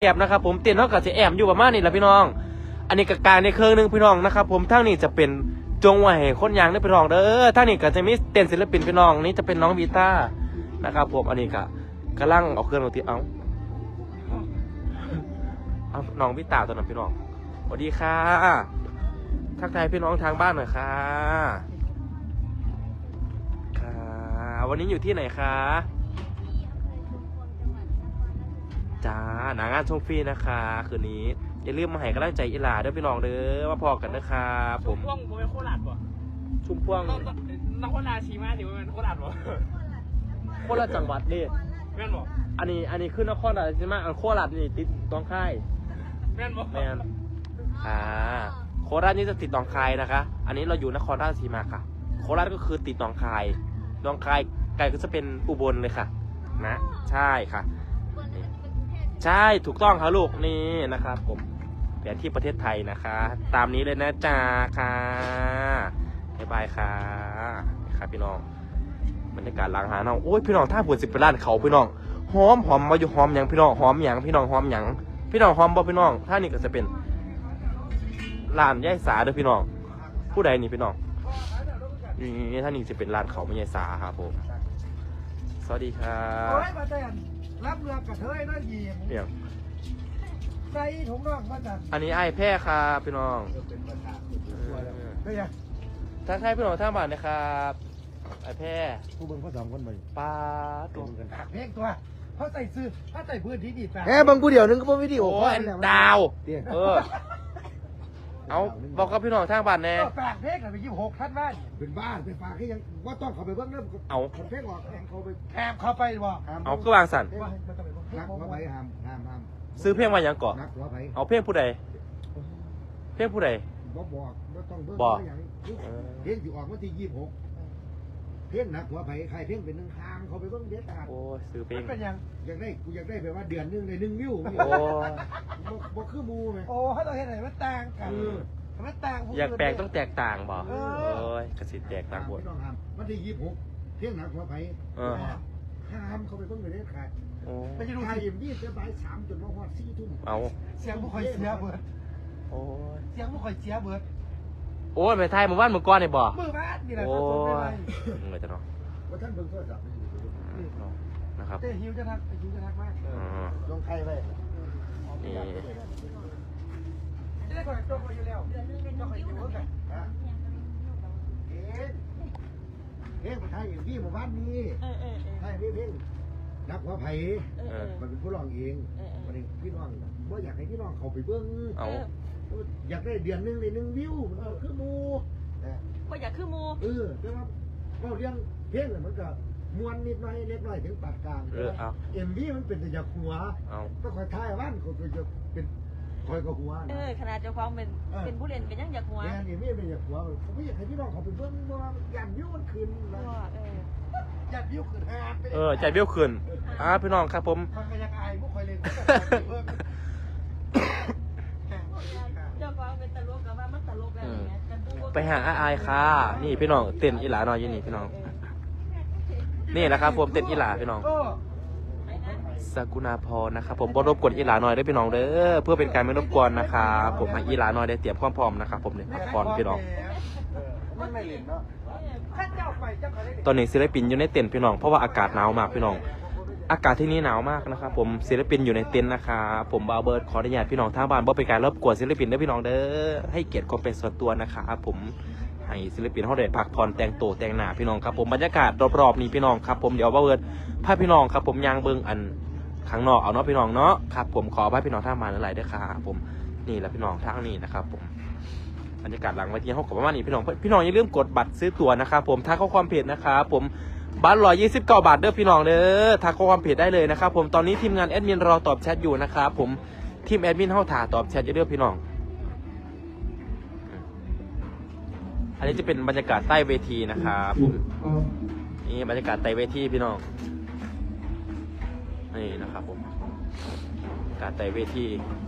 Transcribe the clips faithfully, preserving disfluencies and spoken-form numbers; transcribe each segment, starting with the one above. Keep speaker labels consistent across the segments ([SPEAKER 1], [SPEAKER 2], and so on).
[SPEAKER 1] แอบนะครับผมเต้นเท่ากับจะแอบอยู่ประมาณนี้แหละพี่น้องอันนี้กกลางในเครื่องนึงพี่น้องนะครับผมทั้งนี้จะเป็นจงไหวคนยางได้พี่น้องเด้อทั้งนี้ก็จะมีเต้นศิลปินพี่น้องนี่จะเป็นน้องวีต้านะครับผมอันนี้ก็กำลังเอาเครื่องดนตรีเอาเอาน้องวีต้าตัวนั้นพี่น้องสวัสดีค่ะทักทายพี่น้องทางบ้านหน่อยค่ะค่ะวันนี้อยู่ที่ไหนคะจ้าหนางานชมฟรีนะคะคืนนี้อย่าลืมมาให้กำลังใจอีหลาด้วยพี่น้องเด้อมาพอกันนะคะผม
[SPEAKER 2] ช่วงผมเป็นโคราชป่ะ
[SPEAKER 1] ชุมพวง
[SPEAKER 2] นครราชสีมาถือว่าเป็นโคราชป่ะ
[SPEAKER 1] โคราชจังหวัดนี่
[SPEAKER 2] แม่นบ่
[SPEAKER 1] อันนี้อันนี้คือนครราชสีมาอันโคราชนี่ติดตองค่าย
[SPEAKER 2] แม่นบ่
[SPEAKER 1] แม่นอ่าโคราชนี่จะติดตองคายนะคะอันนี้เราอยู่นครราชสีมาค่ะโคราชก็คือติดตองคายตองคายไกลก็จะเป็นอุบลเลยค่ะนะใช่ค่ะใช่ถูกต้องครับลูกนี่นะครับผมแผนที่ประเทศไทยนะคะตามนี้เลยนะจ๊ะค่ะบ๊ายบายค่ะครับพี่น้องบรรยากาศหลังหาน้องโอ้ยพี่น้องถ้าปวดสิบเป็นล้านเขาพี่น้องหอมหอมมาอยู่หอมอย่างพี่น้องหอมอย่างพี่น้องหอมอย่างพี่น้องหอมบ่พี่น้องถ้านี่ก็จะเป็นร้านย่ายสาเด้อพี่น้องผู้ใดนี่พี่น้องนี่ถ้านี่จะเป็นร้านเขาไม่ย่ายสาครับผมสวัสดีครับ
[SPEAKER 3] รับเรือกระเทยนั่นยี
[SPEAKER 1] เนี่ย
[SPEAKER 3] ใส่ถุงน่องมาจาก
[SPEAKER 1] อันนี้ไอ้แพร่ครับพี่น้อง
[SPEAKER 3] เป็นยัง
[SPEAKER 1] ทักทายพี่น้องท่าบ้านนะครับไอ้แพร่
[SPEAKER 3] ผู้เบิ่งเขาสองคนมา
[SPEAKER 1] ปลาตัว
[SPEAKER 3] กันเพลงตัวเขาใส่ซื้อเขาใส่พื้นที่ดีแ
[SPEAKER 1] หมบางผู้เดียวนึงก็เป็นวิดีโอดาวเออเอาบอกกับพี่น้องทางบ้านแน่
[SPEAKER 3] ฝากเพลงไปยี่สิบหกท่านบ้านเป็นบ้านเป็นฝากให้ยังว่าต้องเขาไปเบิ่งเริ่ม
[SPEAKER 1] เอา
[SPEAKER 3] เพลงออกแข่งเขาไปแคมเขาไปบ่
[SPEAKER 1] เอาก็วางสั่น
[SPEAKER 3] นักหัวไผ่ห้ามห้ามห้าม
[SPEAKER 1] ซื้อเพลงมาอย่างก่อนเอาเพลงผู้ใดเพลงผู้ใด
[SPEAKER 3] บอกบอกว่าต้องเบิ่งอย่างเพลงอยู่ออกวันที่ยี่สิบหกเพลงนักหัวไผ่ใครเพลงเป็นหนึ่งทางเขาไปเบิ่งเด็ดขาด
[SPEAKER 1] โอ้ซื้อเพลง
[SPEAKER 3] เป็นยังอยากได้กูอยากได้แบบว่าเดือนนึงเลยหนึ่งวิวโอ้บอกคือมูไหมโอ้ให้เราเห็นไหนมันต่างกันมันต่าง
[SPEAKER 1] อยากแปลกต้องแตกต่างบ่โอ้ยกระสิแตกต่างหมด
[SPEAKER 3] วันที่ยี่สิบหกเพลงนักหัวไผ่ห้ามเขาไปเบิ่งเลยเด็ดขาดไม่ใช่ดูไทยอิ่มยี่จะบ่ายสามจนมาฮอดสี่ทุ่ม
[SPEAKER 1] เอา
[SPEAKER 3] เสียงผู้คอยเสียเบิด
[SPEAKER 1] โอ้
[SPEAKER 3] เสียงผู้คอยเสียเบิด
[SPEAKER 1] โอ้ยไปไทยมือว่านมือก้อนเนี่ยบ่
[SPEAKER 3] มือบ้านนี่แหละ
[SPEAKER 1] โอ้ยเงยจะเนาะ
[SPEAKER 3] ว่าท่านเบิ่งโทรศัพท์
[SPEAKER 1] นะครับ
[SPEAKER 3] เต้หิวจะทักหิวจะทักมากลงใครไป
[SPEAKER 1] นี่
[SPEAKER 3] จะได้ก่อนจบไปอยู่แล้วจบไปอยู่กันเอ๊ะเอ๊ะไทยอิ่มยี่หมู่บ้านนี้ไทยเพลงนักหัวไผ่มันเป็นผู้ร้องเองมันเองพี่น้องว่าอยากให้พี่น้องเขาไปเบิ้ง
[SPEAKER 1] เอา
[SPEAKER 3] อยากได้เดือนนึงเลยหนึ่งวิวมันคือมู
[SPEAKER 4] ว่าอยากคือมู
[SPEAKER 3] เออแต่ว่าเราเรียงเพลงมันก็มวนนิดหน่อยเล็กน้อยถึงปานกลางเอ็มวีมันเป็นแต่อยากหัวก็คอยท้ายว่านคนจะเป็นคอยกับหัว
[SPEAKER 4] เออขนาดเจ้าของเป็นเป็นผู้เล่นเป็นยังอยากหัว
[SPEAKER 3] เนี่ยเอ็มวีเป็นอยากหัวผมไม่อยากให้พี่น้องเขาไปเบิ้งว่าอยากวิวมันขึ้นนะอยากวิวขึ้นฮะ
[SPEAKER 1] เออใจวิวขึ้นอ่าพี่น้องครับผม
[SPEAKER 3] คอยอยากอายพวกคอยเล่น
[SPEAKER 4] เจ้าของเป็นตลกกับว่ามันตลกแล้ว
[SPEAKER 1] ไปหาอายค่ะนี่พี่น้องเต้นอีหลาหน่อยยี่นี่พี่น้องนี่นะครับผมเต้นอีหลาพี่น้องสกุณาพรนะครับผมบรบกวนอีหลาหน่อยได้พี่น้องเด้อเพื่อเป็นการไม่รบกวนนะครับผมให้อีหลาหน่อยได้เตรียมความพร้อมนะครับผมเนี่ยพักผ่อนพี่น้องตอนนี้ศิลปินอยู่ในเต็นท์พี่น้องเพราะว่าอากาศหนาวมากพี่น้องอากาศที่นี่หนาวมากนะครับผมศิลปินอยู่ในเต็นท์นะครับผมบาวเบิร์ดขออนุญาตพี่น้องทางบ้านบ่เป็นการรบกวนศิลปินได้พี่น้องเด้อให้เกียรติความเป็นส่วนตัวนะครับผมให้ศิลปินเขาได้พักผ่อนแต่งตัวแต่งหน้าพี่น้องครับผมบรรยากาศรอบๆนี้พี่น้องครับผมเดี๋ยวบาวเบิร์ดพาพี่น้องครับผมยางเบิ้งอันข้างนอกเอาเนาะพี่น้องเนาะครับผมขอพาพี่น้องทางบ้านหลายๆด้วยครับผมนี่แหละพี่น้องทางนี้นะครับผมบรรยากาศหลังเวทีเขาขอประมาณนี้พี่น้องพี่น้องอย่าลืมกดบัตรซื้อตั๋วนะครับผมทักข้อความเพจนะครับผมบัตรร้อยยี่สิบเก้าบาทเด้อพี่น้องเด้อทักข้อความเพจได้เลยนะครับผมตอนนี้ทีมงานแอดมินรอตอบแชทอยู่นะครับผมทีมแอดมินเข้าถ่าตอบแชทเยอะๆพี่น้องอันนี้จะเป็นบรรยากาศใต้เวทีนะครับผมนี่บรรยากาศใต้เวทีพี่น้องนี่นะครับผมการใต้เวที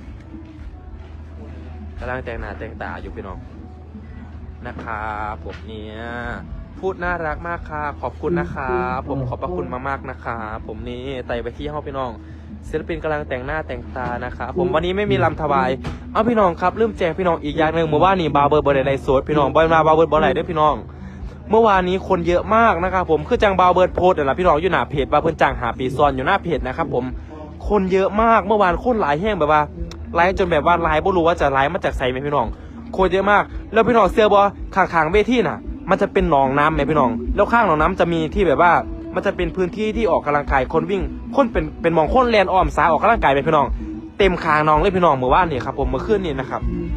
[SPEAKER 1] กำลังแต่งหน้าแต่งตาอยู่พี่น้องนะครับผมเนี่ยพูดน่ารักมากค่ะขอบคุณนะคะผมขอบพระคุณมากๆนะคะผมนี่ไต่ไปที่ห้องพี่น้องศิลปินกำลังแต่งหน้าแต่งตานะครับผมวันนี้ไม่มีลำถวายเอาพี่น้องครับลืมแจ้งพี่น้องอีกอย่างหนึ่งเมื่อวานนี้บาร์เบอร์บอลไลฟ์สดพี่น้องบอลมาบาร์เบิร์ดบอลไลฟ์ด้วยพี่น้องเมื่อวานนี้คนเยอะมากนะครับผมคือจังบาร์เบิร์ดโพสต์นะพี่น้องอยู่หน้าเพจบาร์เบิร์ดจังหาปีซอนอยู่หน้าเพจนะครับผมคนเยอะมากเมื่อวานคนหลายแห้งแบบว่าไลฟ์จนแบบว่าไลฟ์ไม่รู้ว่าจะไลฟ์มาจากไซไหมพี่น้องคนเยอะมากแล้วพี่น้องเสื้อบอข้างๆเวทีน่ะมันจะเป็นหนองน้ำไหมพี่น้องแล้วข้างหนองน้ำจะมีที่แบบว่ามันจะเป็นพื้นที่ที่ออกกำลังกายคนวิ่งคนเป็นเป็นมองคนแลนอ้อมซ้ายออกกำลังกายไปพี่น้องเต็มคางน้องเลยพี่น้องเมื่อวานนี่ครับผมเมื่อคืนนี้นะครับ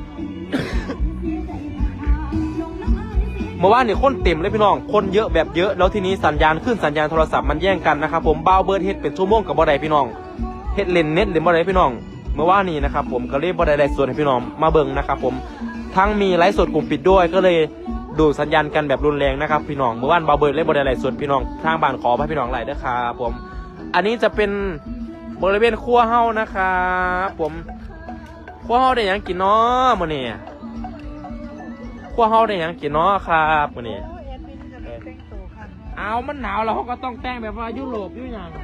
[SPEAKER 1] เมื่อวานนี่คนเต็มเลยพี่น้องคนเยอะแบบเยอะแล้วทีนี้สัญญาณขึ้นสัญญาณโทรศัพท์มันแย่งกันนะครับผมบาวเบิร์ดเฮ็ดเป็นชั่วโมงกับบ่ได้พี่น้องเฮ็ดเล่นเน็ตเล่นบ่ได้พี่น้องเมื่อวานนี้นะครับผมก็เลยบ่ได้ไลฟ์สดให้พี่น้องมาเบิ่งนะครับผมทั้งมีไลฟ์สดกลุ่มปิดด้วยก็เลยดูสัญญาณกันแบบรุนแรงนะครับพี่น้องเมื่อวานบาวเบิร์ดเลยบ่ได้ไลฟ์สดพี่น้องทางบ้านขอให้พี่น้องไลฟ์ด้วยครับผมอันนี้จะเป็นบริเวณครัวเฮานะครับผมครัวเฮาได้หยังกินเนาะมื้อนี้ครัวเฮาได้หยังกินเนาะครับมื้อนี้เอามันหนาวแล้วเขาก็ต้องแต่งแบบว่ายุโรปอยู่อย่าง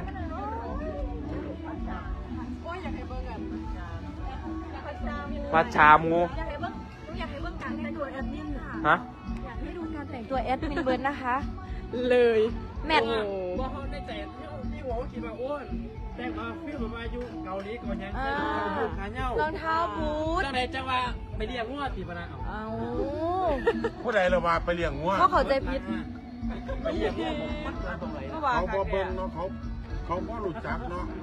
[SPEAKER 1] มาชามู
[SPEAKER 4] อยากให้เบิ่งอยากให้เบิ่งการแต่งตัวแอดมินค่ะ
[SPEAKER 1] ฮะ
[SPEAKER 4] อยากให้ดูการแต่งตัวแอดมินเบิร์ดนะคะ
[SPEAKER 2] เลย
[SPEAKER 4] แมท
[SPEAKER 2] ว่าเขาได้ใจพี่หัวคิดว่าอ้วนแต่มาฟิลแบบว่าอยู่เกาหลีก่อนยัง
[SPEAKER 4] อ่า
[SPEAKER 2] ขาเน่าร
[SPEAKER 4] องเท้าบูท
[SPEAKER 2] จังไหนจังว่าไปเรียกว่าตีปนาเอา
[SPEAKER 4] เอา
[SPEAKER 5] ผู้ใดเรามาไปเลี้ยงงัว
[SPEAKER 4] เขาเข้าใจผิด
[SPEAKER 2] ไปเรียกว่าผมมันมาตรงไหน
[SPEAKER 4] เมื่อวาน
[SPEAKER 5] เขาบ่เบิ่งเนาะเขาเขาบ่รู้จักเนาะ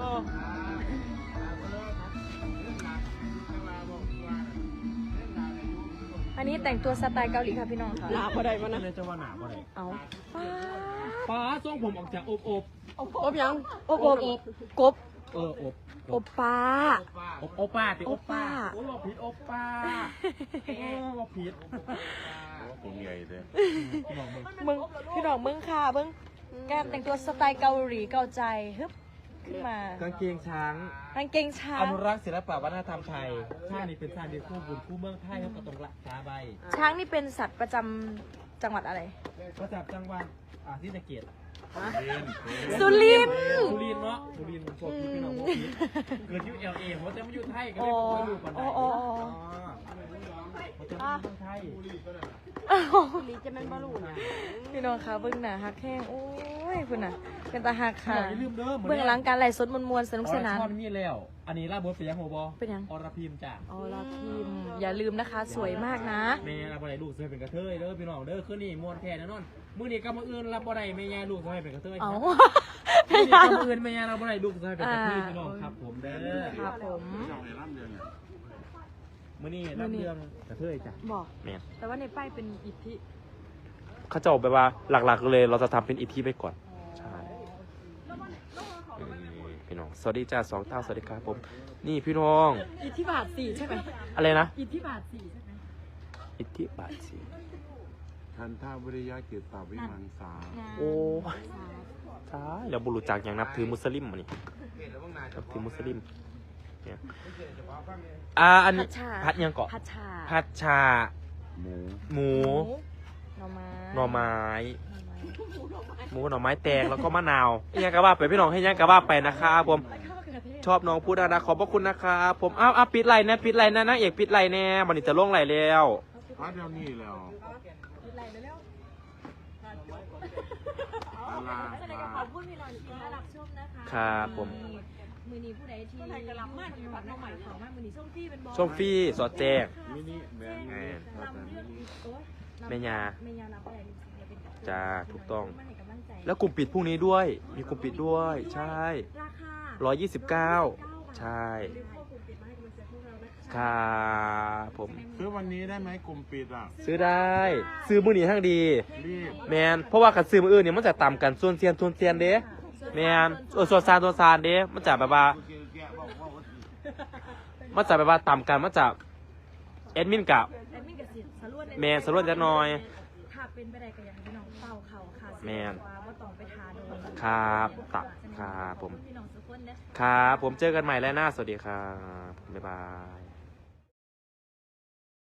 [SPEAKER 4] อันนี้แต่งตัวสไตล์เกาหลีค่ะพี่น้องค่ะ
[SPEAKER 2] หนาบ่ได้มันนะจะว่าหนาบ่ได้
[SPEAKER 4] เอา
[SPEAKER 2] ป้าทรงผมออกจากอบอบ
[SPEAKER 4] อบยังอบอบกบ
[SPEAKER 2] เอออบ
[SPEAKER 4] อบปลา
[SPEAKER 2] อบโอป้าติ
[SPEAKER 4] โอป้า
[SPEAKER 2] โอ้ผิดโอป้าโอ้ผิด
[SPEAKER 5] ผมใหญ่เลย
[SPEAKER 4] มึงพี่น้องมึงค่ะเบิ้งการแต่งตัวสไตล์เกาหลีเกาใจฮึบขึ้นมาก
[SPEAKER 1] างเกงช้าง
[SPEAKER 4] กางเกงช้า
[SPEAKER 1] อง นุรักษ์ศิลปะวัฒนธรรมไทยชาตินี้เป็นชาติเดียวคู่บุญคู่เมืองไทยครับก็ตรงละกาใบ
[SPEAKER 4] ช้างนี่เป็นสัตว์ประจำจังหวัดอะไร
[SPEAKER 1] ประจับจังหวัดอ่าที่ตะเกียบ
[SPEAKER 4] สุรินทร์
[SPEAKER 2] สุรินทร์เนาะสุรินทร์ผมบอกพี่พี่น้องบอกพี่เกิดอยู่เอลเอเพราะจะมาอยู่ไทยก็เลยไม่รู้ปันได
[SPEAKER 4] โอ้โอ้โอ้
[SPEAKER 2] เขาจะมาอยู่ไทย
[SPEAKER 4] ลีจะเป็นบอลูนะพี่น้องคะเบื้องหน้าฮักแห้งโอ้ยคุณน่ะเป็นตาฮักค่ะ
[SPEAKER 2] อย่าลืมเด้อ
[SPEAKER 4] เบื้องหลังการไล่สดมวลๆสนุกสนาน
[SPEAKER 2] อรชรมีแล้ว อันนี้ลาบดเป็นยังโมบอ
[SPEAKER 4] เป็นยัง
[SPEAKER 2] อรพิมจ้ะ
[SPEAKER 4] อ๋อลาพิมพ์อย่าลืมนะคะ สวยมากนะ
[SPEAKER 2] แม่รับบ่ได้ลูกเคยเป็นกระเทยเด้อพี่น้องเด้อคืนนี้มวนแท้แน่นอนมื้อนี้ก็มื้ออื่นรับบ่ได้แม่ยายลูกเคยเป็นกระเทย
[SPEAKER 4] เอา
[SPEAKER 2] มื้อนี้ก็มื้ออื่นแม่ยายรับบ่ได้ลูกเคยเป็นกระเทยพี่น้องครับผมเด้อ
[SPEAKER 4] ครับผม
[SPEAKER 5] เจ้าไอ้ร่ำเดือนเนี่ย
[SPEAKER 2] มื้อนี้รับเรื่องกระเทยจ้ะ
[SPEAKER 4] บอก
[SPEAKER 1] แม่น
[SPEAKER 4] แต่ว่าในป้ายเป็นอิทธิ
[SPEAKER 1] เขาจะออกแบบว่าหลักๆเลยเราจะทำเป็นอีทีไปก่อนใช่เออพี่น้องสวัสดีจ้าสองเต้าสวัสดีครับผมนี่พี่น้อง
[SPEAKER 4] อิทธิบาทสี่ใช่ไหม
[SPEAKER 1] อะไรนะ
[SPEAKER 4] อิทธิบาทสี่ใช่ไหม
[SPEAKER 1] อิทธิบาทสี
[SPEAKER 5] ทันท่าวิริยะเกียรติตาวิมังสา
[SPEAKER 1] โอ้ยใช่แล้วบุรุษจากอย่างนับถือมุสลิมมานี่นับถือมุสลิมเนี่ยอ่าอันนี้
[SPEAKER 4] พัชชา
[SPEAKER 1] พัดยังเกาะ
[SPEAKER 4] พัชชา
[SPEAKER 1] พัดชา
[SPEAKER 5] หมู
[SPEAKER 1] หมู
[SPEAKER 4] หน่อไม้
[SPEAKER 1] หน่อไม้หมูหน่อไม้แตงแล้วก็มะนาวยังกะว่าไปพี่น้องให้ยังกะว่าไปนะครับผมชอบน้องพูดนะขอบพระคุณนะครับผมอ้าวอ้าวปิดไลน์นะปิดไลน์นะนางเอกปิดไลน์แน่วันนี้จะลงไลน์แล้ว
[SPEAKER 5] พระเดียวนี้แล้วอาลา
[SPEAKER 4] แสดงขอบคุณพี่น้องที่มารับชมนะคะ
[SPEAKER 1] ครับผม
[SPEAKER 4] มือนี้ผู้ใดที่กำลังมาถึงวัดน้องใหม่ของมามือนี้ส้มฟี่เป็นบอล
[SPEAKER 1] ส้มฟี่สอดแจ้ง
[SPEAKER 5] มินิแบน
[SPEAKER 1] แม่
[SPEAKER 4] ลำเรื่องโอ๊ย
[SPEAKER 1] แม่ยา
[SPEAKER 4] แม่ยารับอะไรเนี่ยเป็น
[SPEAKER 1] จ้าถูกต้อง
[SPEAKER 4] มาให้กำลังใจ
[SPEAKER 1] แล้วกลุ่มปิดพรุ่งนี้ด้วย มีกลุ่มปิดด้วย ใช่
[SPEAKER 4] ราคา
[SPEAKER 1] ร้อยยี่สิบเก้าใช่
[SPEAKER 4] รีบเข้ากลุ่มปิดมาให้กำลังใจพวกเรานะคะ
[SPEAKER 1] ครับผม
[SPEAKER 5] ซื้อวันนี้ได้ไหมกลุ่มปิดอ่ะ
[SPEAKER 1] ซื้อได้ ซื้อมือนี้ทั้งดี
[SPEAKER 5] รีบ
[SPEAKER 1] แมนเพราะว่าขัดซื้อมืออื่นเนี่ยมันจะต่ำกันส่วนเซียนส่วนเซียนเด้แมนเออส่วนซานส่วนซานเด้มันจะแบบว่า มันจะแบบว่าต่ำกันมันจะแอดมินกับ
[SPEAKER 4] แอดมินกับสิทธิ์สรวน
[SPEAKER 1] แมนสรวนจะน้อย
[SPEAKER 4] ถ้าเป็นไปได้ก็อยากให้พี่น้องเป่าเข่าค่ะ
[SPEAKER 1] แม่น
[SPEAKER 4] ว่าบ่ต้องไปทาโดน
[SPEAKER 1] ครับตับครับผม
[SPEAKER 4] พี่น้องทุกคนนะ
[SPEAKER 1] ครับผมเจอกันใหม่แล้วหน้าสวัสดีครับบ๊ายบาย